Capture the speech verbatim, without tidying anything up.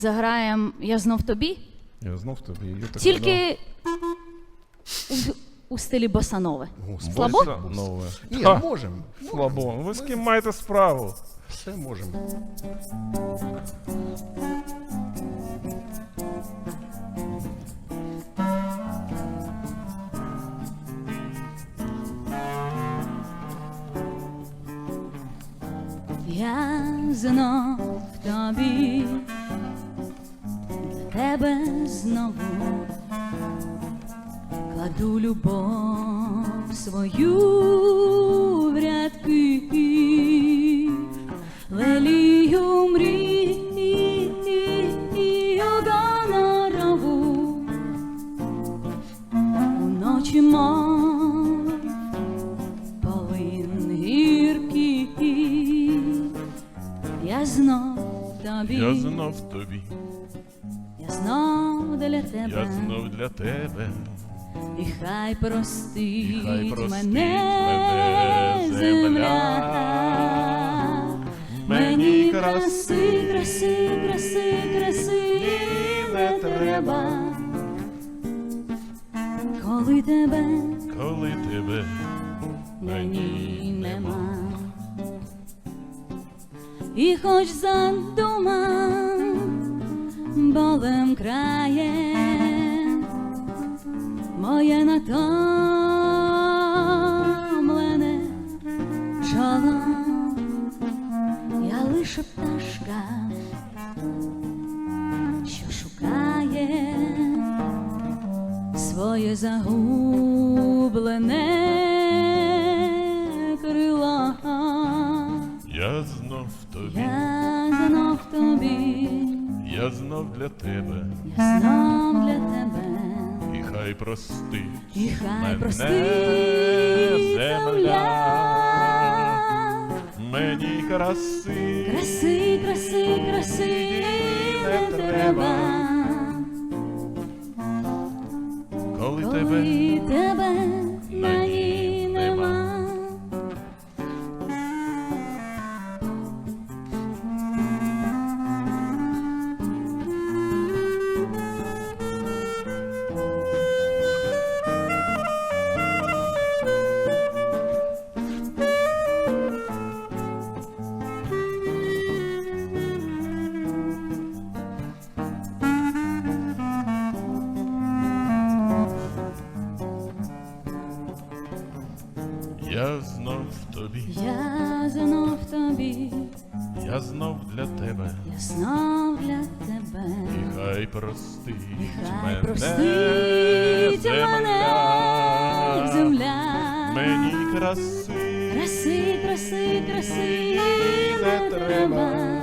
Заграємо «Я знов тобі», Я знов тобі. Я так тільки у, у стилі босанове. гадав. Слабо? Босанове. Ні, Ха, можемо. Слабо. Ви з ким маєте справу? Все можемо. Я знов тобі, для тебе знову кладу любов свою в рядки, лелію мрію гонорову, уночі мов полин гіркий. Я знов тобі, Я знов тобі. я знов для тебе, Я знов для тебе. і хай простить, І хай простить мене мене земля. Мені краси, краси, краси, краси не треба, коли тебе Коли тебе мені нема. І хоч задума болем крає моє натомлене чоло, я лише пташка, що шукає своє загублене крило. Я знов тобі. Я знов тобі, Я знов для тебе. я знов для тебе, І хай простить і хай мене простить земля. Мені краси, Краси, краси, краси не треба, коли тебе коли тебе мені нема. Я знов тобі. Я знов тобі, Я знов для тебе. я знов для тебе, І хай простить і хай мене простить мене земля. Мені краси, Краси, краси, краси не треба,